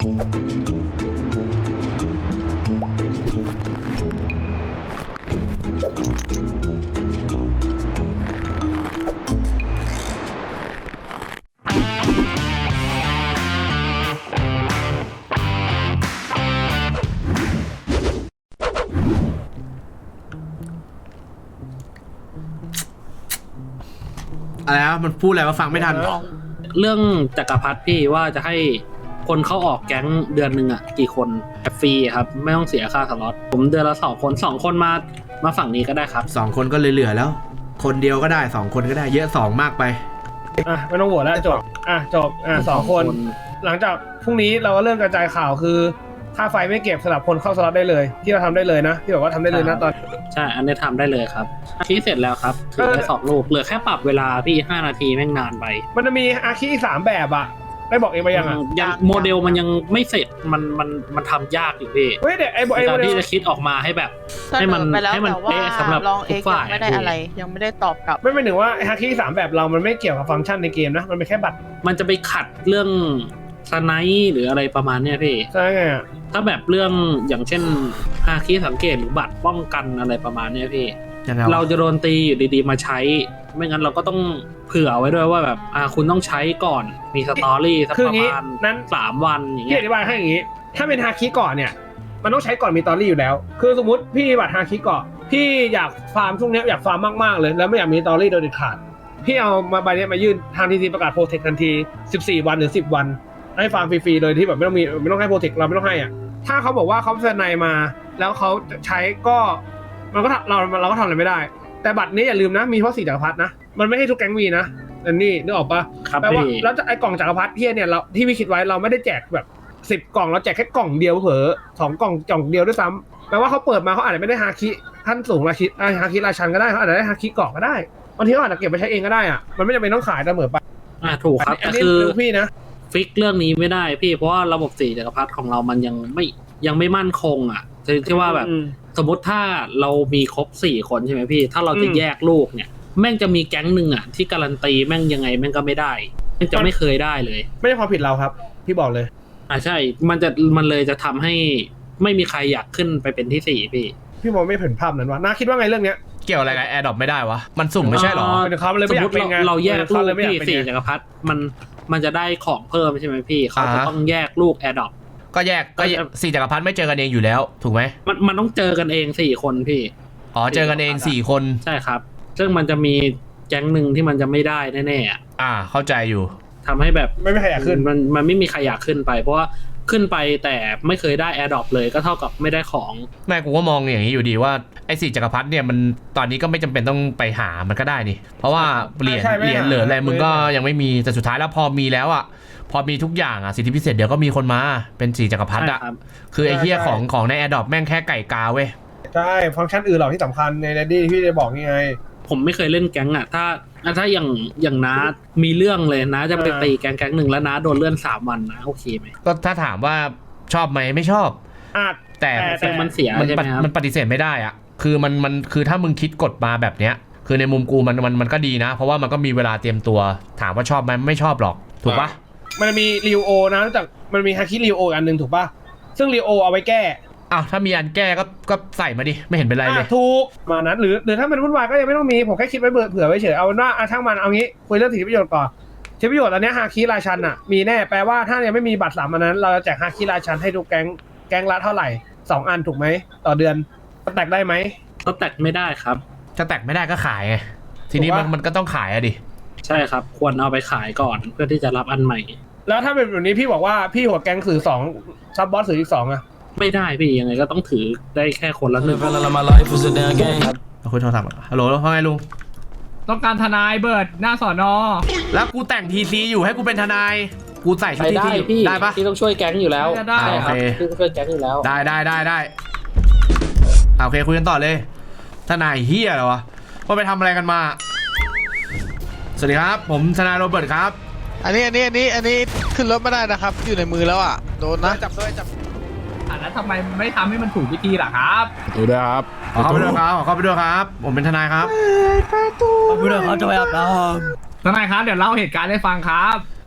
อะไรนะมันพูดอะไรมาฟังไม่ทันเรื่องจักรพรรดิพี่ว่าจะให้คนเข้าออกแก๊งเดือนหนึ่งอ่ะกี่คนฟรีครับไม่ต้องเสียค่าสล็อตผมเดือนละ2 คนมาฝั่งนี้ก็ได้ครับ 2 คนก็เหลือแล้ว คนเดียวก็ได้2 คนก็ได้เยอะ2มากไปไม่ต้องโหวตแล้วจบ2 คนหลังจากพรุ่งนี้เราก็เริ่มกระจายข่าวคือค่าไฟไม่เก็บสำหรับคนเข้าสล็อตได้เลยที่เราทำได้เลยนะที่บอกว่าทำได้เลยนะตอนใช่อันนี้ทำได้เลยครับที่เสร็จแล้วครับถือได้2 ลูกเหลือแค่ปรับเวลาพี่5 นาทีแม่งนานไปมันจะมีอาคี3แบบอะได้บอกเองไปยังโมเดลมันยังไม่เสร็จมันทำยากอยู่พี่เฮ้ยเดี๋ยวไอ้การที่จะคิดออกมาให้แบบให้มันเป๊ะสำหรับทุกฝ่ายไม่ได้อะไรยังไม่ได้ตอบกลับไม่เป็นถึงว่าอาคี3แบบเรามันไม่เกี่ยวกับฟังก์ชันในเกมนะมันเป็นแค่บัตรมันจะไปขัดเรื่องสไนป์หรืออะไรประมาณเนี้ยพี่ใช่ไงถ้าแบบเรื่องอย่างเช่นฮาคิสังเกตหรือบัตรป้องกันอะไรประมาณเนี้ยพี่เราจะโดนตีอยู่ดีๆมาใช้ไม่งั้นเราก็ต้องเผื่อไว้ด้วยว่าแบบคุณต้องใช้ก่อนมีสตอรี่สักประมาณนั้น3 วันอย่างเงี้ยอธิบายให้อย่างงี้ถ้าเป็นฮาคิก่อนเนี่ยมันต้องใช้ก่อนมีสตอรี่อยู่แล้วคือสมมติพี่บัตรฮาคิก่อนพี่อยากฟาร์มช่วงนี้อยากฟาร์มมากๆเลยแล้วไม่อยากมีสตอรี่โดยเด็ดขาดพี่เอามาใบนี้มายื่นทางทีซีประกาศโปรเทคทันที14 วันหรือ10 วันให้ฟาร์มฟรีๆเลยที่แบบไม่ต้องให้โปรเทคเราไม่ต้องให้อ่ะถ้าเขาบอกว่าเขาเซ็นในมาแล้วเขาใช้ก็มันก็เราก็ทำอะไรไม่ได้แต่บัตรนี้อย่าลืมนะมีเพราะ4 จักรพรรดินะมันไม่ให้ทุกแก๊งมีนะอันนี้นึกออกปะแปลว่าแล้วไอ้กล่องจักรพรรดิเนี่ยเราที่พี่คิดไว้เราไม่ได้แจกแบบ10 กล่องเราแจกแค่กล่องเดียวเผลอ2 กล่องเดียวด้วยซ้ำแปลว่าเขาเปิดมาเขาอาจจะไม่ได้ฮาคิขั้นสูงฮาคิราชันก็ได้เขาอาจจะได้ฮาคิเกาะก็ได้บางทีเขาอาจจะเก็บไปใช้เองก็ได้อ่ะมันไม่จำเป็นต้องขายเสมอไปถูกครับอันนี้พี่นะฟิกเรื่องนี้ไม่ได้พี่เพราะว่าระบบ4 จักรพรรดิของเรามันยังไม่มั่นคงอ่ะที่ว่าแบบสมมติถ้าเรามีครบ4 คนใช่ไหมพี่ถ้าเราจะแยกลูกเนี่ยแม่งจะมีแก๊งหนึ่งอ่ะที่การันตีแม่งยังไงแม่งก็ไม่ได้แม่งจะไม่เคยได้เลยไม่ใช่ความผิดเราครับพี่บอกเลยใช่มันเลยจะทำให้ไม่มีใครอยากขึ้นไปเป็นที่4พี่มองไม่เห็นภาพนั้นวะน่าคิดว่าไงเรื่องเนี้ยเกี่ยวอะไรกับแอร์ดรอปไม่ได้วะมันสุ่มไม่ใช่หรอสมมติเราแยกลูกพี่4 จักรพรรดิมันจะได้ของเพิ่มใช่ไหมพี่เขาจะต้องแยกลูกแอร์ดรอปก็แยก4 จักรพรรดิไม่เจอกันเองอยู่แล้วถูกไหมมันต้องเจอกันเอง4 คนพี่เจอกันเอง4 คนใช่ครับซึ่งมันจะมีแก๊งหนึ่งที่มันจะไม่ได้แน่ๆเข้าใจอยู่ทำให้แบบไม่มีใครอยากขึ้นมันไม่มีใครอยากขึ้นไปเพราะว่าขึ้นไปแต่ไม่เคยได้แอร์ดรอปเลยก็เท่ากับไม่ได้ของแม่กูก็มองอย่างนี้อยู่ดีว่าไอ้4 จักรพรรดิเนี่ยมันตอนนี้ก็ไม่จำเป็นต้องไปหามันก็ได้นี่เพราะว่าเหรียญเหลืออะไรมึงก็ยังไม่มีแต่สุดท้ายแล้วพอมีแล้วพอมีทุกอย่างสิทธิพิเศษเดี๋ยวก็มีคนมาเป็น4 จักรพรรดิคือไอ้เหี้ยของในแอร์ดรอปแม่งแค่ไก่กาเว้ยใช่ฟังก์ชันอื่นหรอกที่สำคัญในเรดดี้ที่ได้บอกยังไงผมไม่เคยเล่นแก๊งถ้าอย่างน้ามีเรื่องเลยนะจะไปตีแก๊งหนึ่งแล้วนะโดนเลื่อน3 วันนะโอเคไหมก็ถ้าถามว่าชอบไหมไม่ชอบแต่มันเสียใช่ไหมครับมันปฏิเสธไม่ได้คือมันคือถ้ามึงคิดกฎมาแบบเนี้ยคือในมุมกูมันก็ดีนะเพราะว่ามันก็มีเวลาเตรียมตัวถามว่าชอบไหมไม่ชอบหรอกถูกปะมันมีริวโอนะจากมันมีฮาคิริวโออันนึงถูกปะซึ่งริวโอเอาไว้แก้ถ้ามีอันแก้ก็ใส่มาดิไม่เห็นเป็นไรเลยถูกมานั้นหรือถ้ามันวุ่นวายก็ยังไม่ต้องมีผมแค่คิดไว้เผื่อไว้เฉยเอาว่าช่างมันเอางี้คุยเรื่องสิทธิประโยชน์ก่อนสิทธิประโยชน์อันนี้ฮาคิราชันมีแน่แปลว่าถ้ายังไม่มีบัตร3 อันนั้นเราจะแจกฮาคิราชันให้ทุกแก๊งละเท่าไหร่2 อันถูกไหมต่อเดือนแตกได้ไหมก็แตกไม่ได้ครับถ้าแตกไม่ได้ก็ขายไงทีนี้มันก็ต้องขายดิใช่ครับควรเอาไปขายก่อนเพื่อที่จะรับอันใหม่แล้วถ้าเป็นแบบนี้พี่บอกว่าพี่หัวแก๊งถือ2ซับบอสถืออีก2 ไม่ได้พี่ยังไงก็ต้องถือได้แค่คนละ1 คุยโทรศัพท์ฮัลโหลว่าไงลุงต้องการทนายเบิร์ดหน้าสอนอแล้วกูแต่งทีซีอยู่ให้กูเป็นทนายกูใส่ชุดทีซีได้ปะพี่ต้องช่วยแก๊งอยู่แล้วได้ครับพี่ต้องช่วยแก๊งอยู่แล้วได้โอเคคุยกันต่อเลยทนายเฮียเหรอวะว่าไปทำอะไรกันมาสวัสดีครับผมทนายโรเบิร์ตครับอันนี้ขึ้นรถไม่ได้นะครับอยู่ในมือแล้วโดนนะจับแล้วทำไมไม่ทำให้มันถูกวิธีล่ะครับดูด้วยครับเข้าไปด้วยครับผมเป็นทนายครับเข้าไปด้วยครับจะไปอาบน้ำทนายครับเดี๋ยวเล่าเหตุการณ์ให้ฟังครับ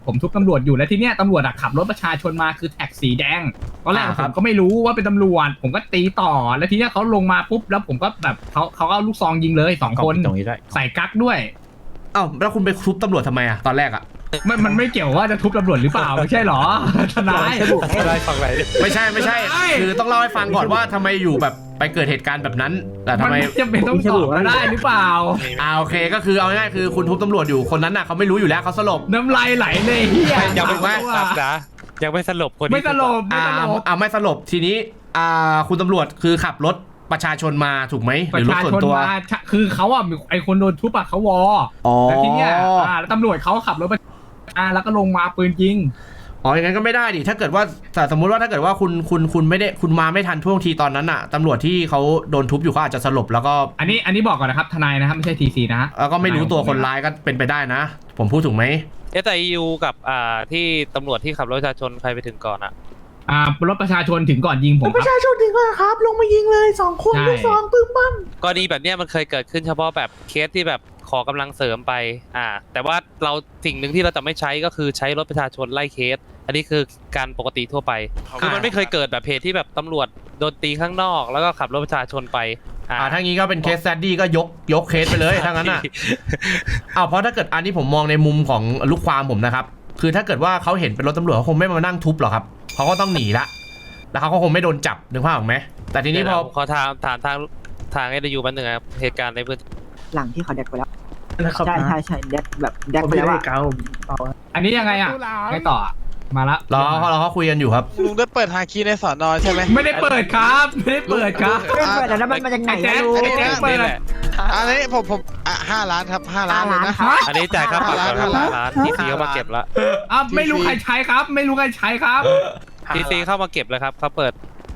ผมทุบตำรวจอยู่แล้วทีเนี้ยตำรวจอะขับรถประชาชนมาคือแท็กสีแดงตอนแรกผมก็ไม่รู้ว่าเป็นตำรวจผมก็ตีต่อแล้วทีเนี้ยเขาลงมาปุ๊บแล้วผมก็แบบเขาเอาลูกซองยิงเลย2 คนใส่กั๊กด้วยเอ้าแล้วคุณไปทุบตำรวจทำไมอะตอนแรกอะมันไม่เกี่ยวว่าจะทุบตำรวจหรือเปล่าไม่ใช่หรอทนายไม่ใช่คือต้องเล่าให้ฟังก่อนว่าทำไมอยู่แบบไปเกิดเหตุการณ์แบบนั้นแต่ทำมันไมจะเป็นต้องตอบก็ได้หรือเปล่าโอเคก็คือเอาง่ายๆคือคุณทุบตำรวจอยู่คนนั้นน่ะเขาไม่รู้อยู่แล้วเขาสลบน้ำลายไหลเลยเฮียยังไม่ว่าสับนะยังไม่สลบคนที่ไม่ตลบไม่ตลบไม่สลบทีนี้คุณตำรวจคือขับรถประชาชนมาถูกไหมหปรือระรถชาส่วนชนตัวมาคือเขาอ่ะไอคนโดนทุบอ่ะเขาวออ๋อแล้วทีเนี้ยแล้วตำรวจเขาขับรถไปแล้วก็ลงมาปืนยิงอ๋ออย่างนั้นก็ไม่ได้ดิถ้าเกิดว่าแต่สมมุติว่าถ้าเกิดว่าคุณไม่ได้คุณมาไม่ทันท่วงทีตอนนั้นน่ะตำรวจที่เขาโดนทุบอยู่เขาอาจจะสลบแล้วก็อันนี้บอกก่อนนะครับทนายนะครับไม่ใช่ทีซีนะแล้วก็ไม่รู้ตัวคนร้ายก็เป็นไปได้นะ ผมพูดถูกไหมแต่ยูกับที่ตำรวจที่ขับรถประชาชนใครไปถึงก่อนอะรถประชาชนถึงก่อนยิงผมประชาชนถึงก่อนครับลงมายิงเลย2 คนลูกซองปึ้มปั้มกรณีแบบเนี้ยมันเคยเกิดขึ้นเฉพาะแบบเคสที่แบบขอกำลังเสริมไปแต่ว่าเราสิ่งหนึ่งที่เราจะไม่ใช้ก็คือใช้รถประชาชนไล่เคส อันนี้คือการปกติทั่วไปคือมันไม่เคยเกิดแบบเหตุที่แบบตำรวจโดนตีข้างนอก แล้วก็ขับรถประชาชนไปถ้างี้ก็เป็นเคสแซดดี้ก็ยกเคสไปเลยถ้างั้นน่ะ เพราะถ้าเกิดอันนี้ผมมองในมุมของลูกความผมนะครับคือถ้าเกิดว่าเขาเห็นเป็นรถตำรวจเขาคงไม่มานั่งทุบหรอกครับเขาก็ต้องหนีละแล้วเขาก็คงไม่โดนจับนึกภาพออกไหมแต่ทีนี้พอขอถามทางไอ้ดยูแป๊บนึงครับเหตุการณ์ในพื้นที่หลังที่เขาแดกไปแล้วนะครับใช่แดกแบบแดกผมไปไม่แล้วได้อะเกาอันนี้ยังไงอ่ะไงต่อมาละรอเขาคุยกันอยู่ครับลุงได้เปิดฮาคีในสอนอใช่ไหมไม่ได้เปิดครับไม่ได้เปิดครับไม่เปิดแล้วมันมาจากไหนไอ้แจ๊คอะไอ้แจ๊คเปิดอันนี้ผม5 ล้านครับ5 ล้านเลยนะอันนี้จ่ายค่าปรับก่อนครับ 5 ร้านทีซีเข้ามาเก็บแล้วไม่รู้ใครใช้ครับ ไม่รู้ใครใช้ครับทีซีเข้ามาเก็บแล้วครับเขาเปิด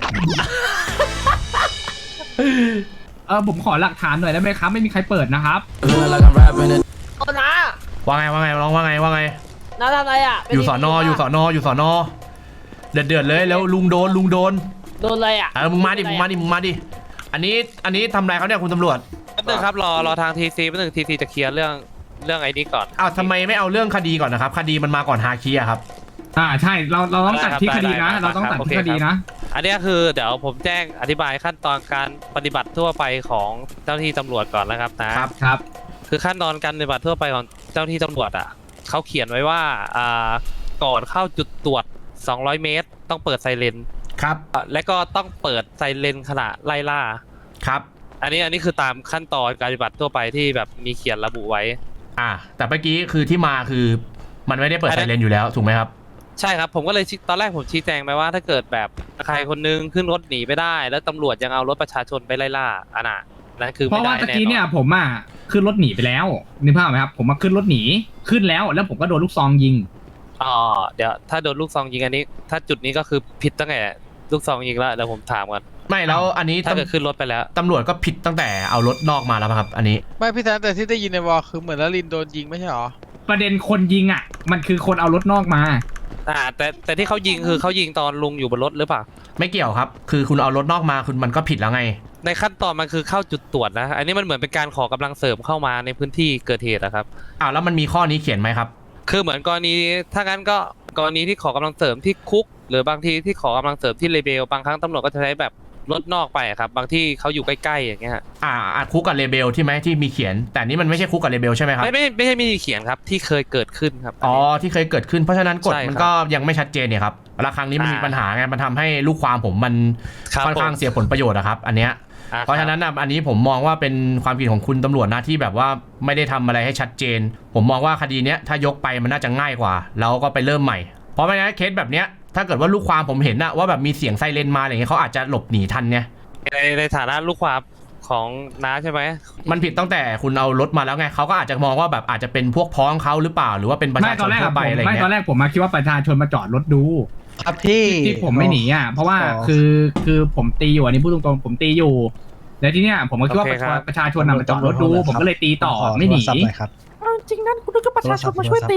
ผมขอหลักฐานหน่อยได้ไหมครับไม่มีใครเปิดนะครับโอ้นะว่าไงร้องว่าไงน้าทำอะไรอ่ะอยู่สอนอเดือดเลยแล้วลุงโดนโดนอะไรอ่ะมึงมาดิอันนี้ทำอะไรเขาเนี่ยคุณตำรวจแป๊บนึงครับรอทางทีซีแป๊บนึงทีซีจะเคลียร์เรื่องไอ้นี้ก่อนทำไมไม่เอาเรื่องคดีก่อนนะครับคดีมันมาก่อนฮาคิอะครับใช่เราต้องตัดที่คดีนะเราต้องตัดที่คดีนะอันนี้คือเดี๋ยวผมแจ้งอธิบายขั้นตอนการปฏิบัติทั่วไปของเจ้าหน้าที่ตำรวจก่อนนะครับนะครับ คือขั้นตอนการปฏิบัติทั่วไปของเจ้าหน้าที่ตำรวจเขาเขียนไว้ว่าก่อนเข้าจุดตรวจ200 เมตรต้องเปิดไซเรนครับและก็ต้องเปิดไซเรนขณะไล่ล่าครับอันนี้คือตามขั้นตอนการปฏิบัติทั่วไปที่แบบมีเขียนระบุไว้แต่เมื่อกี้คือที่มาคือมันไม่ได้เปิดไซเรนอยู่แล้วถูกไหมครับใช่ครับผมก็เลยตอนแรกผมชี้แจงไปว่าถ้าเกิดแบบใครคนนึงขึ้นรถหนีไปได้ แล้วตำรวจยังเอารถประชาชนไปไล่ล่านั่นคือเพราะไม่ว่าได้ตะแน่กี้นเนี่อย นผมขึ้นรถหนีไปแล้วนึกภาพไหมครับผมมาขึ้นรถหนีขึ้นแล้วผมก็โดนลูกซองยิงเดี๋ยวถ้าโดนลูกซองยิงอันนี้ ถ้าจุดนี้ก็คือผิดตั้งแต่ลูกซองยิงแล้วเดี๋ยวผมถามก่อนไม่แล้วอันนี้ถ้าเกิดขึ้นรถไปแล้วตำรวจก็ผิดตั้งแต่เอารถนอกมาแล้วครับ อันนี้ไม่พี่แทนแต่ที่ได้ยินในวอลคือเหมือนลลินโดนยิงไม่ใช่หรอประเด็นคนยิงมันคือคนเอารถนอกมาแต่ที่เขายิงคือเขายิงตอนลุงอยู่บนรถหรือเปล่าไม่เกี่ยวครับคือคุณเอารถนอกมาคุณมันก็ผิดแล้วไงในขั้นตอนมันคือเข้าจุดตรวจนะอันนี้มันเหมือนเป็นการขอกำลังเสริมเข้ามาในพื้นที่เกิดเหตุนะครับแล้วมันมีข้อนี้เขียนไหมครับคือเหมือนกรณีถ้างั้นก็กรณีที่ขอกำลังเสริมที่คุก หรือบางทีที่ขอกำลังเสริมที่เลเบลบางครั้งตำรวจก็จะใช้แบบรถนอกไปครับบางที่เขาอยู่ใกล้ๆอย่างเงี้ยคุกกับเลเบลที่ไหมที่มีเขียน แต่นี่มันไม่ใช่คุกกับเลเบลใช่ไหมครับไม่ใช่มีเขียนครับที่เคยเกิดขึ้นครับที่เคยเกิดขึ้นเพราะฉะนั้นกฎใช่ครับมันก็ยังไม่ชัดเจนเนี่ยครับแล้วครั้งนี้มันมีปัญหาไงมันทำให้ลูกความผมมันครับค่อนข้างเสียผลประโยชน์อะครับอันเนี้ยเพราะฉะนั้นอันนี้ผมมองว่าเป็นความผิดของคุณตำรวจนะที่แบบว่าไม่ได้ทำอะไรให้ชัดเจน ผมมองว่าคดีเนี้ยถ้ายกไปมันน่าจะง่ายกว่าแล้วก็ไปเริ่มใหม่เพราะไม่งั้นเคสแบบเนี้ยถ้าเกิดว่าลูกความผมเห็นนะว่าแบบมีเสียงไซเรนมาอะไรเงี้ยเขาอาจจะหลบหนีทันไงในฐานะลูกความของน้าใช่ไหมมันผิดตั้งแต่คุณเอารถมาแล้วไงเขาก็อาจจะมองว่าแบบอาจจะเป็นพวกพ้องเขาหรือเปล่าหรือว่าเป็นประชาชนทั่วไปอะไรไม่เงี้ตอนยแรกผมคิดว่าประชาชนมาจอดรถดูครับพี่ที่ผมไม่หนีเพราะว่าคือผมตีอยู่อันนี้พูดตรงๆผมตีอยู่แล้วทีเนี้ยผมก็คิดว่าประชาชนมาจอดรถดูผมก็เลยตีต่อไม่หนีจริงนั้นคุณนึกว่าประชาชนมาช่วยตี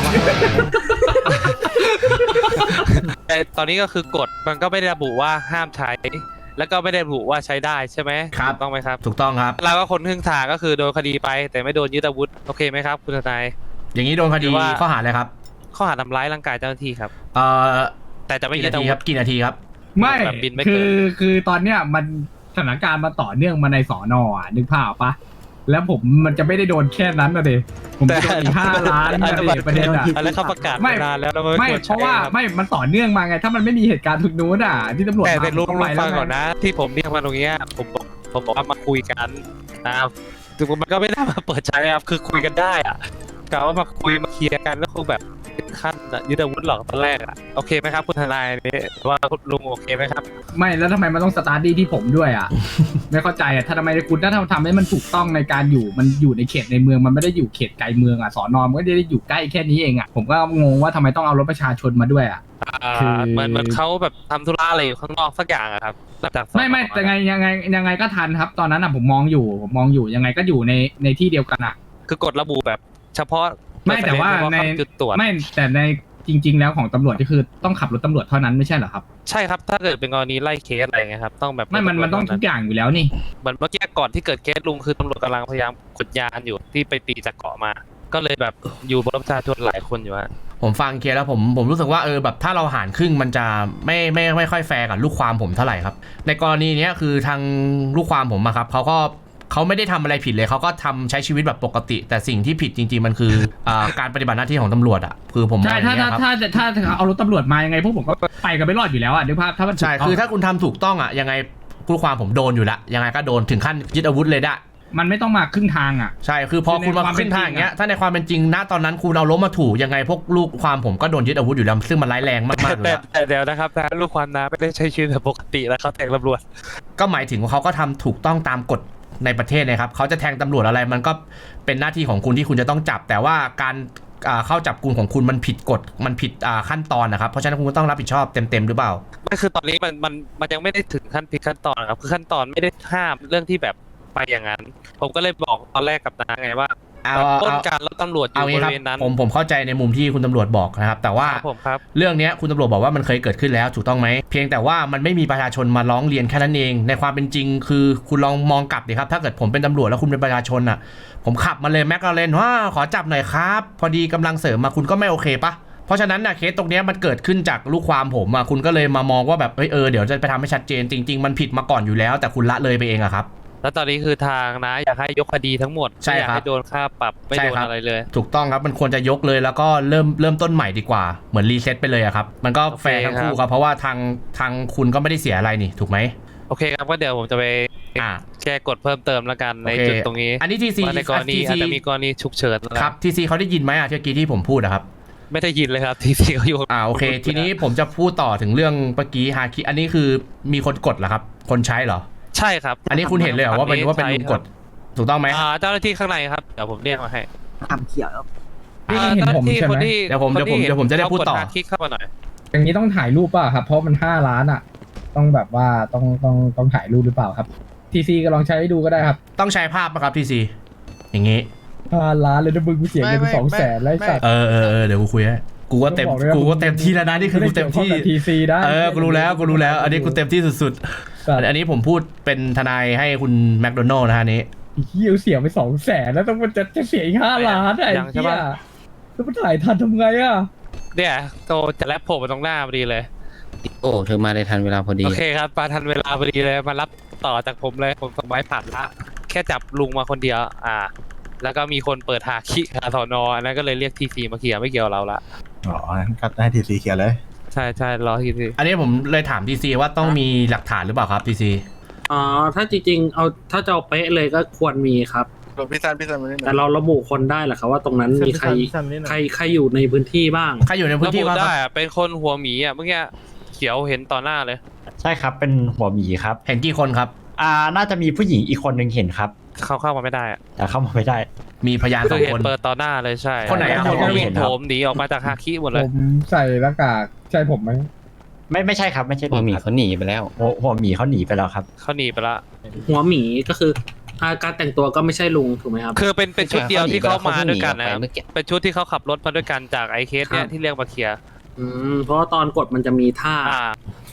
แต่ตอนนี้ก็คือกฎมันก็ไม่ได้ระบุว่าห้ามใช้ แล้วก็ไม่ได้ระบุว่าใช้ได้ใช่ไหมครับถูกต้องไหมครับถูกต้องครับเราก็คนครึ่งทางก็คือโดนคดีไป แต่ไม่โดนยึดอาวุธโอเคไหมครับคุณทนายอย่างนี้โดนคดีหรือว่าข้อหาอะไรครับข้อหาทำร้ายร่างกายเจ้าหน้าที่ครับเอ่อแต่จะไม่กี่ยึดนาอาทีวุครัธบกี่นาทีครับไม่แบบบินไม่เกินคือตอนเนี้ยมันสถานการณ์มันต่อเนื่องมาในสอนอ่ะนึกภาพปะแล้วผมมันจะไม่ได้โดนแค่นั้นนะเดผมจะโดนอีก5 ล้านนะเดประเด็นอ่ะอะไรเขาประกาศไม่นานแล้วเราไม่ควรเพราะว่าใช้คบไม่มันต่อเนื่องมาไง ถ้ามันไม่มีเหตุการณ์ทุกนู้นอ่ะที่ตำรวจแต่ลุงต้องไปแล้ฟัวงก่อนไงนะ ที่ผมเรียกมาตรงเนี้ยผมบอกว่ามาคุยกันนะครับถึงมันก็ไม่ได้มาเปิดใจครับคือคุยกันได้อะกะว่ามาคุยมาเคลียร์กันแล้วคงแบบขั้นยึดอาวุธหรอกตอนแรกอะโอเคไหมครับคุณทนายนี่ว่าคุณลุงโอเคไหมครับไม่แล้วทำไมมันต้องสตาร์ทดี้ที่ผมด้วยอ่ะ ไม่เข้าใจอ่ะถ้าทำไมคุณถ้าทำให้มันถูกต้องในการอยู่มันอยู่ในเขตในเมืองมันไม่ได้อยู่เขตไกลเมืองอ่ะสอนอมันก็ได้อยู่ใกล้แค่นี้เองอ่ะผมก็งงว่าทำไมต้องเอารถประชาชนมาด้วยอ่ะ คือเหมือนเขาแบบทำธุระอะไรอยู่ข้างนอกสักอย่างอะครับจากสอนอไม่แต่ยังไงก็ทันครับ ตอนนั้นอ่ะผมมองอยู่ยังไงก็อยู่ในที่เดียวกันอ่ะคือกฎระบุแบบเฉพาะไม่แต่ว่าในจุดตรวจไม่แต่ในจริง ๆ แล้วของตำรวจก็คือต้องขับรถตำรวจเท่านั้นไม่ใช่เหรอครับใช่ครับถ้าเกิดเป็นกรณีไล่เคสอะไรเงี้ยครับต้องแบบไม่มันต้องทุกอย่างอยู่แล้วนี่เหมือนเมื่อกี้ก่อนที่เกิดเคสลุงคือตำรวจกำลังพยายามขนยานอยู่ที่ไปตีจากเกาะมา ก็เลยแบบอยู่บนประชาชนหลายคนอยู่ฮะผมฟังเคลียร์แล้วผมรู้สึกว่าแบบถ้าเราหารครึ่งมันจะไม่ค่อยแฟร์กับลูกความผมเท่าไหร่ครับในกรณีเนี้ยคือทางลูกความผมอะครับเขาไม่ได้ทำอะไรผิดเลยเขาก็ทำใช้ชีวิตแบบปกติ แต่สิ่งที่ผิดจริงๆมันคือ การปฏิบัติหน้าที่ของตำรวจอะคือผมมองใช่อย่างเงี้ยครับถ้าเอารถตำรวจมายังไงพวกผมก็ไปกันไม่รอดอยู่แล้วอ่ะนึกภาพถ้ามันถูกใช่ต้องคือถ้าคุณทำถูกต้องอะยังไงลูกความผมโดนอยู่ละยังไงก็โดนถึงขั้นยึดอาวุธเลยได้มันไม่ต้องมาครึ่งทางอ่ะใช่คือพอคุณมาในความขึ้นทางเป็นจริงอย่างเงี้ยถ้าในความเป็นจริงณตอนนั้นคุณเอาล้มมาถูกยังไงพวกลูกความผมก็โดนยึดอาวุธอยู่แล้วซึ่งมันร้ายแรงมากๆเลยแต่เดี๋ยวนะครับนะลูกความน้าไม่ได้ใช้ชีวิตแบบปกติแล้วเขาแทงตำรวจก็หมายถึงว่าเขาก็ทำถูกต้องตามกฎในประเทศนะครับเขาจะแทงตำรวจอะไรมันก็เป็นหน้าที่ของคุณที่คุณจะต้องจับ แต่ว่าการเข้าจับกุมของคุณมันผิดกฎมันผิดขั้นตอนนะครับเพราะฉะนั้นคุณก็ต้องรับผิดชอบเต็มหรือเปล่าไม่คือตอนนี้มันยังไม่ได้ถึงขั้นผิดขั้นตอนครับคือขั้นตอนไม่ได้ห้ามเรื่องที่แบบไปอย่างนั้น ผมก็เลยบอกตอนแรกกับน้าไงว่าต้นการแล้วตำรวจอยู่บริเวณนั้นผมเข้าใจในมุมที่คุณตำรวจบอกนะครับแต่ว่าครับผมครับเรื่องนี้คุณตำรวจบอกว่ามันเคยเกิดขึ้นแล้วถูกต้องไหมเพียงแต่ว่ามันไม่มีประชาชนมาร้องเรียนแค่นั้นเองในความเป็นจริงคือคุณลองมองกลับดิครับถ้าเกิดผมเป็นตำรวจแล้วคุณเป็นประชาชนอ่ะผมขับมาเลยแมคลาเรนว่าขอจับหน่อยครับพอดีกำลังเสริมมาคุณก็ไม่โอเคปะเพราะฉะนั้นนะเคสตรงนี้มันเกิดขึ้นจากลูกความผมอ่ะคุณก็เลยมามองว่าแบบเดี๋ยวจะไปทำให้ชัดเจนจริงๆมันผิดมาก่อนอยู่แล้วแต่คุณละเลยไปเองอะครับแล้วตอนนี้คือทางนะอยากให้ยกคดีทั้งหมดใช่ไม่อยากครับให้โดนค่าปรับไม่โดนอะไรเลยถูกต้องครับมันควรจะยกเลยแล้วก็เริ่มต้นใหม่ดีกว่าเหมือนรีเซ็ตไปเลยอะครับมันก็แฟร์ทั้งคู่ครับเพราะว่าทางคุณก็ไม่ได้เสียอะไรนี่ถูกไหมโอเคครับก็เดี๋ยวผมจะไปแก้กฎเพิ่มเติมแล้วกันในจุดตรงนี้อันนี้ทีซีว่าในกรณีอาจจะมีกรณีฉุกเฉินนะคครัรับบ ทีซีเขาได้ยินไหมเมื่อกี้ที่ผมพูดอะครับไม่ได้ยินเลยครับทีซีเขาอยู่โอเค ทีนี้ผมจะพูดต่อถึงเรื่องเมื่อกี้ฮาคิอันนี้คือมีคนกดเหรอครับคนใช้เหรอใช่ครับอันนี้คุณเห็นเลยเหรอว่าเป็นลุงกดถูกต้องไหมเจ้าหน้าที่ข้างในครับเดี๋ยวผมเรียกมาให้ทำเขียวแล้วนี่เห็นผมใช่ไหมเดี๋ยวผมจะได้พูดต่อคลิกเข้ามาหน่อยอย่างนี้ต้องถ่ายรูปป่ะครับ เพราะมัน5 ล้านอ่ะ ต้องแบบว่าต้องถ่ายรูปหรือเปล่าครับทีซีก็ลองใช้ให้ดูก็ได้ครับต้องใช้ภาพป่ะครับทีซีอย่างงี้ 5 ล้านเลยนะมึงกูเสียเงินไป200,000แล้วไอ้สัตว์เดี๋ยวกูคุยให้กูก็เต็มที่แล้วนะนี่คือกูเต็มที่ทีซีได้กูรู้แล้วอันนี้กูเต็มที่สุดๆอันนี้ผมพูดเป็นทนายให้คุณแมคโดนัลล์นะฮะนี้เฮียเสียไป200,000แล้วต้องมันจะเสียอีก5 ล้านไอ้ยังใช่เหี้ยปะแล้วมันถ่ายทันทำไงอ่ะเนี่ยโตจะแลบผมมาตรงหน้าพอดีเลยโอ้เธอมาได้ทันเวลาพอดีโอเคครับมาทันเวลาพอดีเลยมารับต่อจากผมเลยผมส่งไม้ผ่านละแค่จับลุงมาคนเดียวแล้วก็มีคนเปิดหาคิคาสอนอันนั้นก็เลยเรียกทีซีมาเคลียร์ไม่เกี่ยวกับเราละอ๋องั้นก็ให้ทีซีเคลียร์เลยใช่รอทีซีอันนี้ผมเลยถามทีซีว่าต้องมีหลักฐานหรือเปล่าครับทีซีถ้าจริงๆถ้าจะเอาเป๊ะเลยก็ควรมีครับพี่ซันมานี่แต่เราระบุคนได้เหรอครับว่าตรงนั้นมีใครอยู่ในพื้นที่บ้างใครอยู่ในพื้นที่ระบุบ้างคได้รับอะเป็นคนหัวหมีอ่ะเมื่อกี้เขียวเห็นต่อหน้าเลยใช่ครับเป็นหัวหมีครับเห็นกี่คนครับน่าจะมีผู้หญิงอีกคนหนึ่งเห็นครับเข้ามาไม่ได้อะแต่เข้ามาไม่ได้มีพยานคืสออง เห็คน นเปิดต่อหน้าเลยใช่คนไหนอะแล้วคนไหนเห็นผมหนีออกมาจากฮาคิหมดเลผยมใส่หน้ากากใช่ผมไหมไม่ใช่ครับไม่ใช่หัวหมีเขาหนีไปแล้วหัวหมีเขาหนีไปแล้วครับเขาหนีไปละหัวหมีก็คือการแต่งตัวก็ไม่ใช่ลุงถูกไหมครับคือเป็นชุดเดียวที่เขามาด้วยกันนะครับเมื่อกี้เป็นชุดที่เขาขับรถมาด้วยกันจากไอเคสเนี่ยที่เรียกมาเคลียร์เพราะว่าตอนกดมันจะมีท่า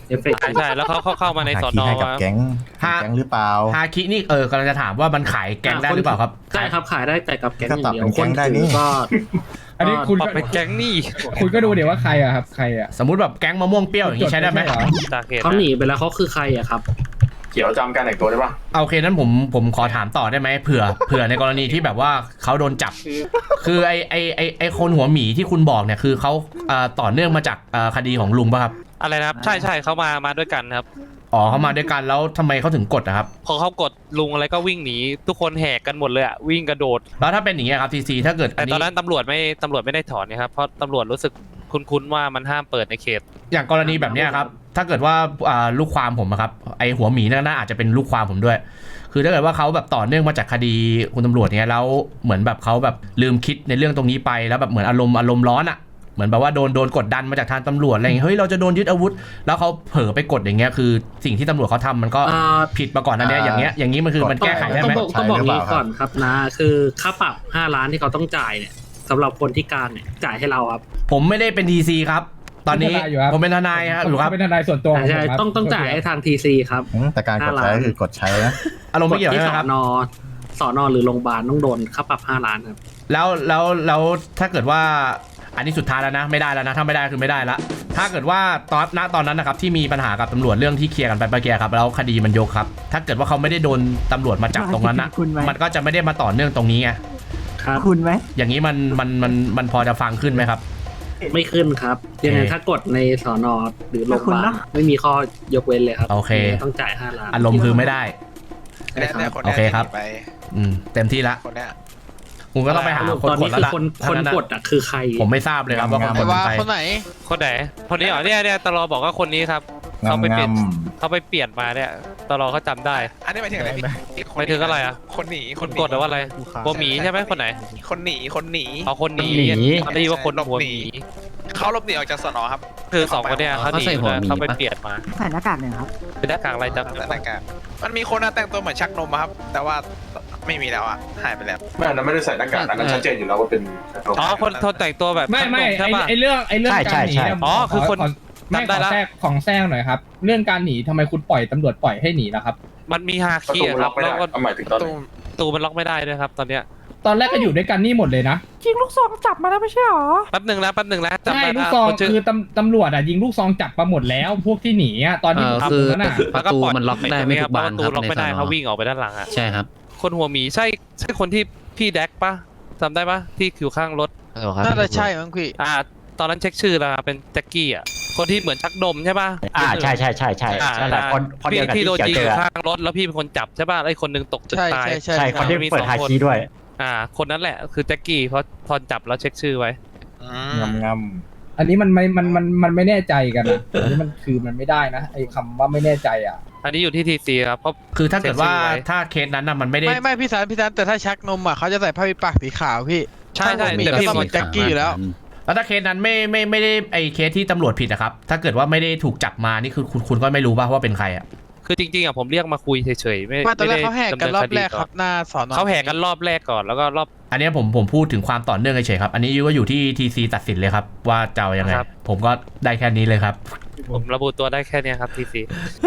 เอฟเฟกต์ใช่แล้วเขาเข้ามาในสอนอให้กับมาแก๊งหรือเปล่าฮาคินี่กำลังจะถามว่ามันขายแกงได้หรือเปล่าครับใช่ครับขายได้แต่กับแก๊งอย่างเดียวก็ปรับเป็นแก๊งได้นี่ก็อันนี้คุณปรับก็ไปแก๊งนี่คุณก็ดูเดี๋ยวว่าใครอะครับใครอะสมมุติแบบแก๊งมะม่วงเปรี้ยวอย่างนี้ใช้ได้ไหมเหรอจากเหตุเขาหนีไปแล้วเขาคือใครอะครับเขียวจำการแต่งตัวได้ปะโอเคนั้นผมขอถามต่อได้ไหมเผื่อในกรณีที่แบบว่าเขาโดนจับ คือไอคนหัวหมีที่คุณบอกเนี่ยคือเขาต่อเนื่องมาจากคดีของลุงป่ะครับอะไรนะครับใช่เขามาด้วยกันครับอ๋อเขามาด้วยกันแล้วทำไมเขาถึงกดอะครับพอเขากดลุงอะไรก็วิ่งหนีทุกคนแหกกันหมดเลยอะวิ่งกระโดดแล้วถ้าเป็นอย่างเงี้ยครับทีซีถ้าเกิดแต่ตอนนั้นตำรวจไม่ได้ถอนนะครับเพราะตำรวจรู้สึกคุ้นๆว่ามันห้ามเปิดในเขตอย่างกรณีแบบเนี้ยครับถ้าเกิดว่าลูกความผมอะครับไอหัวหมีนั่นน่าอาจจะเป็นลูกความผมด้วย คือถ้าเกิดว่าเขาแบบต่อเนื่องมาจากคดีคุณตำรวจเนี้ยแล้วเหมือนแบบเขาแบบลืมคิดในเรื่องตรงนี้ไปแล้วแบบเหมือนอารมณ์ร้อนอะเหมือนแบบว่าโดนกดดันมาจากทางตำรวจอะไรอย่างเงี้ยเฮ้ยเราจะโดนยึดอาวุธแล้วเขาเผลอไปกดอย่างเงี้ยคือสิ่งที่ตำรวจเขาทำมันก็ผิดมาก่อนนะเนี่ยอย่างนี้มันคือมันแก้ไขได้ไหมต้องบอกนี้ก่อนครับนะคือค่าปรับ5 ล้านที่เขาต้องจ่ายเนี่ยสำหรับคนที่กลางเนี่ยจ่ายให้เราครับผมไม่ได้เป็นทีซีครับตอนนี้ผมเป็นทนายครับอยู่ครับเป็นทนายส่วนตัวของผมใช่ครับต้องจ่ายให้ทางทีซีครับแต่การกดใช้คือกดใช้นะอารมณ์ไม่เกี่ยวที่ใช่ไหมครับสอนอหรือโรงพยาบาลต้องโดนค่าปรับ5 ล้านครับแล้วถ้าเกิดว่าอันนี้สุดท้ายแล้วนะไม่ได้แล้วนะถ้าไม่ได้คือไม่ได้ละถ้าเกิดว่าตอนนั้นนะครับที่มีปัญหากับตำรวจเรื่องที่เคลียร์กันไปเมื่อกี้ครับแล้วคดีมันยกครับถ้าเกิดว่าเขาไม่ได้โดนตำรวจมาจับตรงนั้นนะมันก็จะไม่ได้มาต่อเนื่องตรงนี้ไงครับคุณไหมอย่างนี้มันพอจะฟังขึ้นไหมครับไม่ขึ้นครับยังไงถ้ากดในสอนอหรือโรงพยาบาลไม่มีข้อยกเว้นเลยครับโอเคต้องจ่าย5 ล้านอารมณ์คือไม่ได้ใช่ครับโอเคครับเต็มที่ละคุณก็ต้องไปหาคนตอนกนี้ดแล้วคือล่ะคนกดอ่ะคือใครผมไม่ทราบเลยครับว่าคนกดเป็นใครคนไหนคนไหนคนนี้เหรอเนี่ยตลอบอกว่าคนนี้ครับเขาไปเปลี่ยนมาเนี่ยตลอเขาจำได้อันนี้หมายถึงอะไรพี่หมายถึงอะไรอ่ะคนหนีคนกดหรือว่าอะไรหัวหมีใช่ไหมคนไหนคนหนีเอาคนหนีได้ยินว่าคนหัวหมีเขาหลบหนีออกจากสนครับคือสองคนเนี่ยเขาหนีเขาไปเปลี่ยนมาใส่หน้ากากหนึ่งครับเป็นหน้ากากอะไรจำแต่หน้ากากมันมีคนแต่งตัวเหมือนชักนมครับ แต่ว่าไม่มีแล้วอ่ะหายไปแล้วไม่อันนั้นไม่ได้ใส่หน้ากากอันนั้นชัดเจนอยู่แล้วว่าเป็นอ๋อคนแต่งตัวแบบไม่ใช่ป่ะไอเรื่องการหนีเนี่ยอ๋อคือคนไม่จำได้ขอละแทรกหน่อยครับ เรื่องการหนีทำไมคุณปล่อยตำรวจปล่อยให้หนีล่ะครับมันมีฮาคิอะครับแล้วก็หมายถึงตอนตูมันล็อกไม่ได้ด้วยครับตอนเนี้ยตอนแรกก็อยู่ด้วยกันนี่หมดเลยนะจริงลูกซองจับมาแล้วไม่ใช่หรอแป๊บหนึ่งนะจำใช่ได้ลูกนะซองคนชื่อคือตำรวจอ่ะยิงลูกซองจับมาหมดแล้วพวกที่หนีอ่ะตอนที่ผมอยู่นั้นน่ะแล้วก็ปล่อยมันล็อกได้ไม่ทุกบานครับประตูล็อกไม่ได้เขาวิ่งออกไปด้านหลังอ่ะใช่ครับคนหัวหมีใช่คนที่พี่แดกปะจำได้ปะที่อยู่ข้างรถน่าจะใช่มั้งพี่ตอนนั้นเช็คชื่อแล้วเป็นแจ็คกี้อ่ะคนที่เหมือนชักนมใช่ปะใช่นั่นแหละคนเดียวกับที่ที่โดนเกี่ยวยิงเจอยู่อข้างรถแล้วพี่เป็นคนจับใช่ปะไอ้คนนึงตกตึกตายใช่คนที่เปิดฮาคีด้วยคนนั้นแหละคือแจ็คกี้เพราะพอจับแล้วเช็คชื่อไว้งำอันนี้มันไม่แน่ใจกันนะอันนี้มันคือมันไม่ได้นะไอ้คำว่าไม่แน่ใจอ่ะอันนี้อยู่ที่ทีซีครับเพราะคือถ้าเกิดว่าถ้าเคสนั้นน่ะมันไม่ได้ไม่พี่สันแต่ถ้าชักนมอ่ะเขาจะใส่ผ้าปิดปากสีขาวพี่ใช่มีแต่ก็พี่ต้องเป็นแจ็คกี้อยู่แล้วแล้วถ้าเคสนั้นไม่ได้ไอเคสที่ตำรวจผิดอะครับถ้าเกิดว่าไม่ได้ถูกจับมานี่คือคุณก็ไม่รู้ป่ะว่าเป็นใครอะคือจริงๆอ่ะผมเรียกมาคุยเฉยๆไม่ตอนแรกได้เขาแหกกันรอบแรกครับหน้าสอนเขาแหกกันรอบแรกก่อนแล้วก็รอบอันนี้ผมพูดถึงความต่อเนื่องเฉยๆครับอันนี้ก็อยู่ที่ทีซีตัดสินเลยครับว่าจะเอายังไงผมก็ได้แค่นี้เลยครับผมระบุตัวได้แค่เนี้ยครับทีซี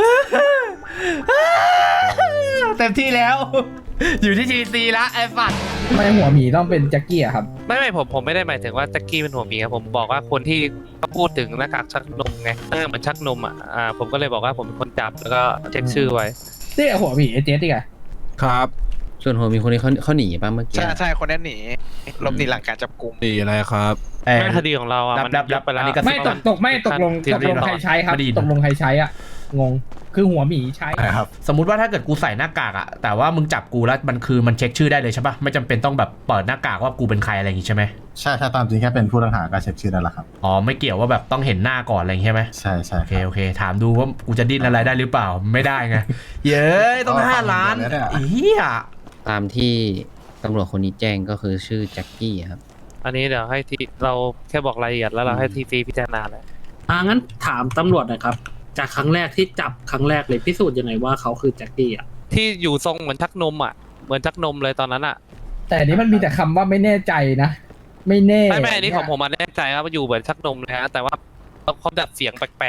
เต็มที่แล้ว อยู่ที่ทีซีละไอ้ฝันไม่หัวหมีต้องเป็นแจ็คกี้อะครับไม่ผมไม่ได้หมายถึงว่าแจ็คกี้เป็นหัวหมีครับผมบอกว่าคนที่เขาพูดถึงหน้ากากชักนมไงเหมือนชักนมผมก็เลยบอกว่าผมเป็นคนจับแล้วก็เช็คชื่อไว้นี่หัวหมีเจ๊ดิไงครับส่วนหัวมีคนนี้เขาหนีป่ะเมื่อกี้ใช่คนนั้นหนีหลบหนีหลังการจับกุมดีอะไรครับแม่คดีของเราอ่ะมันยับไปแล้วไม่ตกลงใครใช้ครับตกลงใครใช้อ่ะงงคือหัวหมีใช้ครับสมมุติว่าถ้าเกิดกูใส่หน้ากากอะแต่ว่ามึงจับกูแล้วมันเช็คชื่อได้เลยใช่ปะไม่จำเป็นต้องแบบเปิดหน้ากากว่ากูเป็นใครอะไรอย่างงี้ใช่ไหมใช่ถ้าตามจริงแค่เป็นผู้ต้องหาก็เช็คชื่อได้แล้วครับอ๋อไม่เกี่ยวว่าแบบต้องเห็นหน้าก่อนอะไรอย่างงี้ใช่ไหมใช่โอเคถามดูว่ากูจะดิ้นอะไรได้หรือเปล่าไม่ได้ไงเย้ยต้อง5 ล้านเฮียตามที่ตำรวจคนนี้แจ้งก็คือชื่อแจ็คกี้ครับอันนี้เดี๋ยวให้ทีเราแค่บอกรายละเอียดแล้วเราให้ทีซีพิจารณาเลยงั้นถามตำรวจหนะครับจากครั้งแรกที่จับครั้งแรกเลยพิสูจน์ยังไงว่าเขาคือแจ็คกี้อ่ะที่อยู่ทรงเหมือนชักนมเหมือนชักนมเลยตอนนั้นแต่อันนี้มันมีแต่คำว่าไม่แน่ใจนะไม่แน่ไม่อันนี้ของผมแน่ใจครับว่าอยู่เหมือนชักนมเลยฮะแต่ว่าเขาดัดเสียงแปลก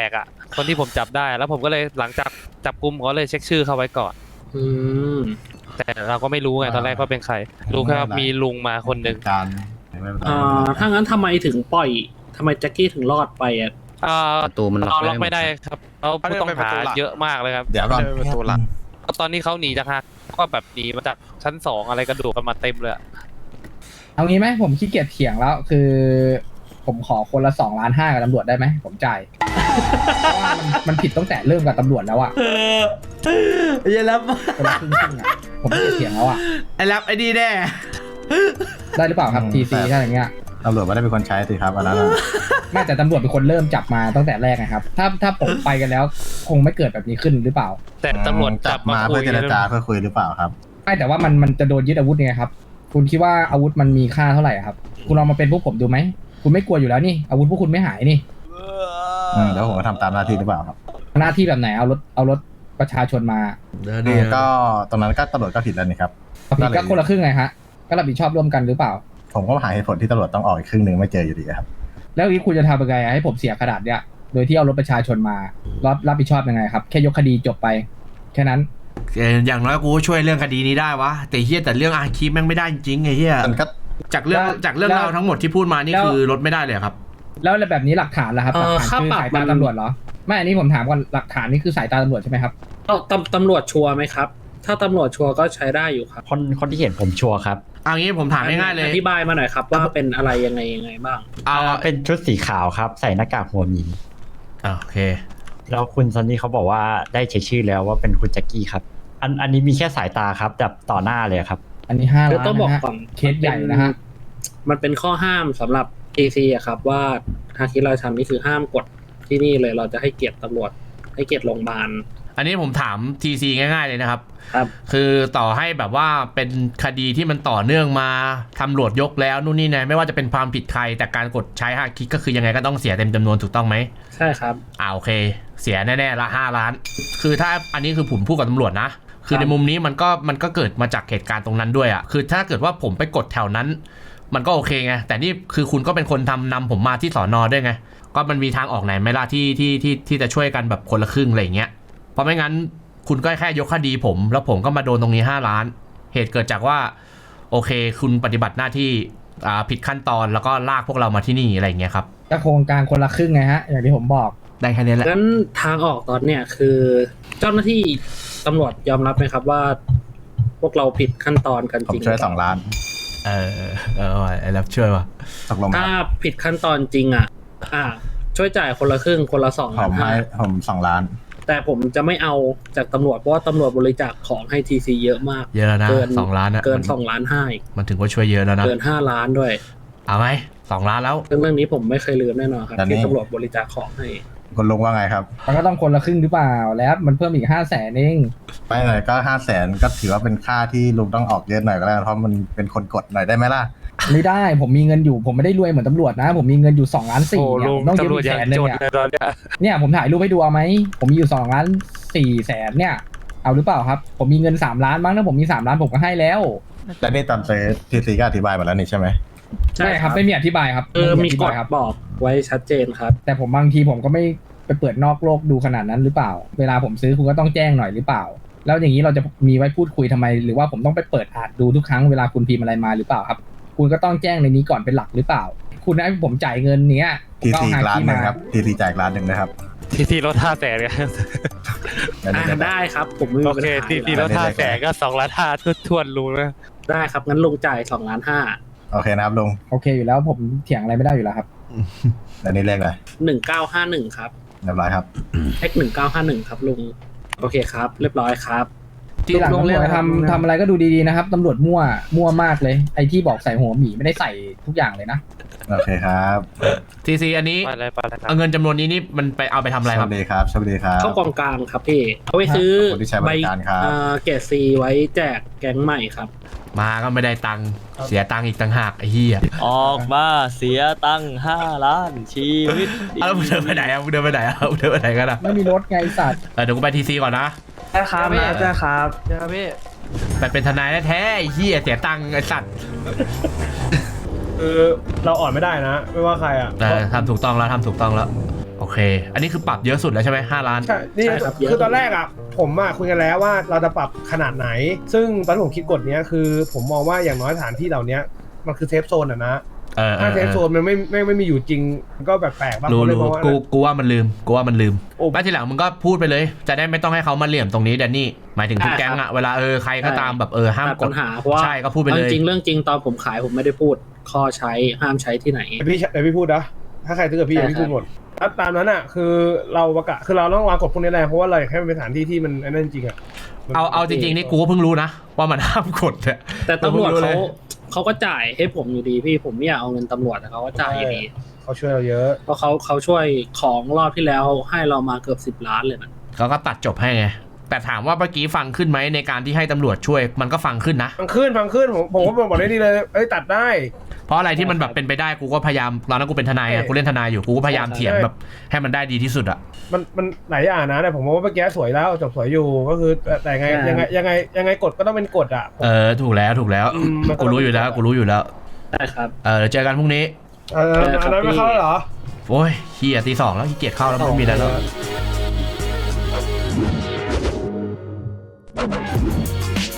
คนที่ผมจับได้แล้วผมก็เลยหลังจากจับกุมเขาเลยเช็คชื่อเขาไว้ก่อนอืมแต่เราก็ไม่รู้ไงตอนแรกว่าเป็นใครรู้แค่ว่ามีลุงมาคนหนึ่งการไม่เป็นไรถ้างั้นทำไมถึงปล่อยทำไมแจ็คกี้ถึงรอดไปอ่ะประตูมันล็อกไม่ได้ครับเราผู้ต้องหาเยอะมากเลยครับเดี๋ยวก่อนประตูหลังตอนนี้เขาหนีจากฮักก็แบบหนีมาจากชั้น2อะไรกระโดดกันมาเต็มเลยอะเอางี้ไหมผมขี้เกียจเถียงแล้วคือ ผมขอคนละ2.5 ล้านกับตำรวจได้ไหมผมจ่ายเพราะว่ามันผิดตั้งแต่เริ่มกับตำรวจแล้วอะไอ้รับคนละครึ่งๆอะผมขี้เกียจเถียงแล้วอะไอ้รับไอ้ดีแน่ได้หรือเปล่าครับทีซีถ้าอย่างเงี้ยตำรวจไม่ได้เป็นคนใช้สิครับอันนั้นไม่แต่ตำรวจเป็นคนเริ่มจับมาตั้งแต่แรกนะครับถ้าผมไปกันแล้วคงไม่เกิดแบบนี้ขึ้นหรือเปล่าแต่ตำรวจจับมาเพื่อเจรจาเพื่อคุยหรือเปล่าครับไม่แต่ว่ามันจะโดนยึดอาวุธไงครับคุณคิดว่าอาวุธมันมีค่าเท่าไหร่อะครับคุณลองมาเป็นพวกผมดูไหมคุณไม่กลัวอยู่แล้วนี่อาวุธพวกคุณไม่หายนี่แล้วผมก็ทำตามหน้าที่หรือเปล่าครับหน้าที่แบบไหนเอารถประชาชนมาก็ตรงนั้นก็ตำรวจก็ผิดแล้วนี่ครับผิดก็คนละครึ่งไงฮะก็รับผิดชอบร่วมกันหรือเปล่าผมก็หาเหตุผลที่ตำรวจต้องออกอีกครึ่งหนึ่งไม่เจออยู่ดีครับแล้วนี้คุณจะทำยังไงให้ผมเสียขนาดเนี้ยโดยที่เอารถประชาชนมารับผิดชอบยังไงครับแค่ยกคดีจบไปแค่นั้นอย่างน้อยกูก็ช่วยเรื่องคดีนี้ได้วะแต่เฮียแต่เรื่องอาคีแม่งไม่ได้จริงๆไอ้เฮียมันก็จากเรื่องราวทั้งหมดที่พูดมานี่คือลดไม่ได้เลยครับแล้วแบบนี้หลักฐานล่ะครับหลักฐานคือสายตาตำรวจเหรอไม่อันนี้ผมถามก่อนหลักฐานนี่คือสายตาตำรวจใช่ไหมครับตำรวจชัวร์ไหมครับ ถ้าตำรวจชัวร์ก็ใช้ได้อยู่ครับคนที่เห็นผมชัวร์ครับเอางี้ผมถามง่ายๆเลยอธิบายมาหน่อยครับว่าเป็นอะไรยังไงบ้างเป็นชุดสีขาวครับ ใส่หน้ากากหัวหมีโอเคแล้วคุณซันนี่เขาบอกว่าได้เช็คชื่อแล้วว่าเป็นคุณแจ็คกี้ครับอันนี้มีแค่สายตาครับแบบต่อหน้าเลยครับอันนี้5 ล้านต้องบอกก่อนเคสใหญ่นะฮะมันเป็นข้อห้ามสำหรับ TC อะครับว่าฮาคิราชันนี่คือห้ามกดที่นี่เลยเราจะให้เกียรติตำรวจให้เกียรติโรงพยาบาลอันนี้ผมถาม TC ง่ายๆเลยนะครับครับคือต่อให้แบบว่าเป็นคดีที่มันต่อเนื่องมาตำรวจยกแล้วนู่นนี่นะไม่ว่าจะเป็นความผิดใครแต่การกดใช้ฮาคิก็คือยังไงก็ต้องเสียเต็มจำนวนถูกต้องไหมใช่ครับโอเค เสียแน่ๆละ5 ล้าน คือถ้าอันนี้คือผมพูดกับตำรวจนะ คือในมุมนี้มันก็เกิดมาจากเหตุการณ์ตรงนั้นด้วยอ่ะคือถ้าเกิดว่าผมไปกดแถวนั้น มันก็โอเคไงแต่นี่คือคุณก็เป็นคนนำผมมาที่สอนอด้วยไงก็มันมีทางออกไหนไหมล่ะที่จะช่วยกันแบบคนละครึ่งอะไรอย่างเงี้ยเพราะไม่งั้นคุณก็แค่ยกคดีผมแล้วผมก็มาโดนตรงนี้5 ล้าน เหตุเกิดจากว่าโอเคคุณปฏิบัติหน้าที่ผิดขั้นตอนแล้วก็ลากพวกเรามาที่นี่อะไรอย่างเงี้ยครับก็โครงการคนละครึ่งไงฮะอย่างที่ผมบอกได้แค่นี้แหละงั้นทางออกตอนเนี้ยคือเจ้าหน้าที่ตำรวจยอมรับไหมครับว่าพวกเราผิดขั้นตอนกันผมจริงช่วย2 ล้านไอ้รับช่วยว่ะตกลงถ้าผิดขั้นตอนจริงอ่ะช่วยจ่ายคนละครึ่งคนละ2 ผล้านมให้ผม2 ล้านแต่ผมจะไม่เอาจากตำรวจเพราะว่าตำรวจบริจาคของให้ TC เยอะมากเยอะแล้วนะเกิน 2 ล้านอะเกิน2 ล้าน5อีกมันถึงว่าช่วยเยอะแล้วนะเกิน5 ล้านด้วยเอาไหม2 ล้านแล้วเรื่องนี้ผมไม่เคยลืมแน่นอนครับแต่นี่ที่ตำรวจบริจาคของให้คุณลุงว่าไงครับมันก็ต้องคนละครึ่งหรือเปล่าแล้วมันเพิ่มอีก500,000เองไม่หน่อยก็500,000ก็ถือว่าเป็นค่าที่ลุงต้องออกเยอะหน่อยก็แล้วกันเพราะมันเป็นคนกดหน่อยได้ไหมล่ะไม่ได้ผมมีเงินอยู่ผมไม่ได้รวยเหมือนตำรวจนะ ผมมีเงินอยู่2.4 ล้านเนี่ยผมต้องยืมอีก100,000นึงเนี่ยผมถ่ายรูปให้ดูเอาไหมผมมีอยู่2.4 ล้านเนี่ยเอาหรือเปล่าครับผมมีเงิน3 ล้านมั้งถ้าผมมี3 ล้านผมก็ให้แล้วและนี่ตอนซื้อทีซีก็อธิบายมาแล้วนี่ใช่ไหมใช่ไม่คครัรับบไม่มีอธิบายครับมีไอธิกบาฎยครับบอกไว้ชัดเจนครับแต่ผมบางทีผมก็ไม่ไปเปิดนอกโลกดูขนาดนั้นหรือเปล่า เวลาผมซื้อคุณก็ต้องแจ้งหน่อยหรือเปล่า แล้วอย่างนี้เราจะมีไว้พูดคุยทำไม หรือว่าผมต้องไปเปิดอ่านดูทุกครั้งเวลาคุณพิมพ์อะไรมาหรือเปล่าครับ คุณก็ต้องแจ้งในนี้ก่อนเป็นหลักหรือเปล่า คุณให้ผมจ่ายเงินเนี้ยผมทีก็ซีเอาหาล้านที่หนึ่มางครับทีซีจ่ายล้านหนึ่งนะครับทีลด500,000กันอันนี้ก็ได้ครับผมไม่มีโอปัญเคหาทีลด500,000ก็2 ล้าน5ทวนๆรู้นะได้ครับงั้นลงจ่าย2 ล้าน 5 โอเคนะครับลุงโอเคอยู่แล้วผมเถียงอะไรไม่ได้อยู่แล้วครับอันนี้เลขอะไร 1951ครับเรียบร้อยครับ X1951 ครับลุงโอเคครับ เรียบร้อยครับทีหลังตำรวจทำอะไรก็ดูดีๆนะครับตำรวจมั่วมากเลยไอ้ที่บอกใส่หัวหมีไม่ได้ใส่ทุกอย่างเลยนะโอเคครับ TC อันนี้ไปเลยครับเอาเงินจำนวนนี้นี่มันไปเอาไปทำอะไรสครัวับสดีครับสวัสดีครับเข้ากองกลางครับพี่เอาไว้ซื้อขอบคุณที่ใช้บริการครับเกรดซีไว้แจกแก๊งใหม่ครับมาก็ไม่ได้ตังค์เสียตังค์อีกต่างหากไอ้เหี้ยออกมาเสียตังค์5 ล้านชีวิตแล้วมึงเดินไปไหนมึงเดินไปไหนมึงเดินไปไหนกันอ่ะไม่มีรถไงไอ้สัตว์เดี๋ยวกูไป TC ก่อนนะได้ครับได้ครับไปเป็นทนายแท้ๆไอ้เหี้ยเสียตังค์ไอ้สัตว์คือเราอ่อนไม่ได้นะ ไม่ว่าใครอ่ะทำถูกต้องแล้วทำถูกต้องแล้วโอเคเค อันนี้คือปรับเยอะสุดแล้วใช่ไหม5 ล้านใช่นี่ใช่ครับเยอะคือตอนแรกอ่ะผมอ่ะคุยกันแล้วว่าเราจะปรับขนาดไหน ซึ่งตอนที่ผมคิดกฎเนี้ยคือผมมองว่าอย่างน้อยสถานที่เหล่านี้มันคือเซฟโซนอ่ะนะถ้าเซฟโซนมันไม่มีอยู่จริงก็แปลกๆบ้างรู้เลยมองว่ากูว่ามันลืมโอ้แล้วทีหลังมึงก็พูดไปเลย จะได้ไม่ต้องให้เขามาเหลี่ยมตรงนี้แดนนี่หมายถึงทุกแก๊งอะเวลาใครก็ตามแบบห้ามตัดกปัดญหาเพราะว่าใช่ก็พูดไปเลยจริงเรื่องจริงตอนผมขายผมไม่ได้พูดข้อใช้ห้ามใช้ที่ไหนเดี๋ยวพี่พูดนะถ้าใครซื้อกับพี่ใช่พี่พูดหมดถ้าตามนั้นอ่ะคือเราประกาศคือเราต้องวางกฎพวกนี้แหละเพราะว่าเราอยากให้มันเป็นสถานที่ที่มันนั่นจริงอ่ะเอาจริงๆนี่กูก็เพิ่งรู้นะว่ามันห้ามกดอะแต่ตำรวจกูพิ่งเลยเขาก็จ่ายให้ผมอยู่ดีพี่ผมไม่อยากเอาเงินตำรวจแต่เขาก็จ่ายอยู่ดีเขาช่วยเราเยอะเพราะเขาช่วยของรอบที่แล้วให้เรามาเกือบ10 ล้านเลยนะเขาก็ตัดจบให้ไงแต่ถามว่าเมื่อกี้ฟังขึ้นไหมในการที่ให้ตำรวจช่วยมันก็ฟังขึ้นนะฟังขึ้นผมก็บอกได้ดีเลยตัดได้เพราะอะไรที่มันแบบเป็นไปได้กูก็พยายามตอนนั้นกูเป็นทนายอะกูเล่นทนายอยู่กูก็พยายามเถียงแบบให้มันได้ดีที่สุดอะมันหลายอย่างนะแต่ผมว่าเมื่อกี้สวยแล้วจบสวยอยู่ก็คือแต่ยังไงกฎก็ต้องเป็นกฎอ่ะถูกแล้วมันก็กูรู้อยู่แล้วใช่ครับเดี๋ยวเจอกันพรุ่งนี้อันนั้นไม่เข้าเหรอโอ้ยเฮียตี 2แล้วขี้เกียจเข้าแล้วไม่มีอะไรแล้ว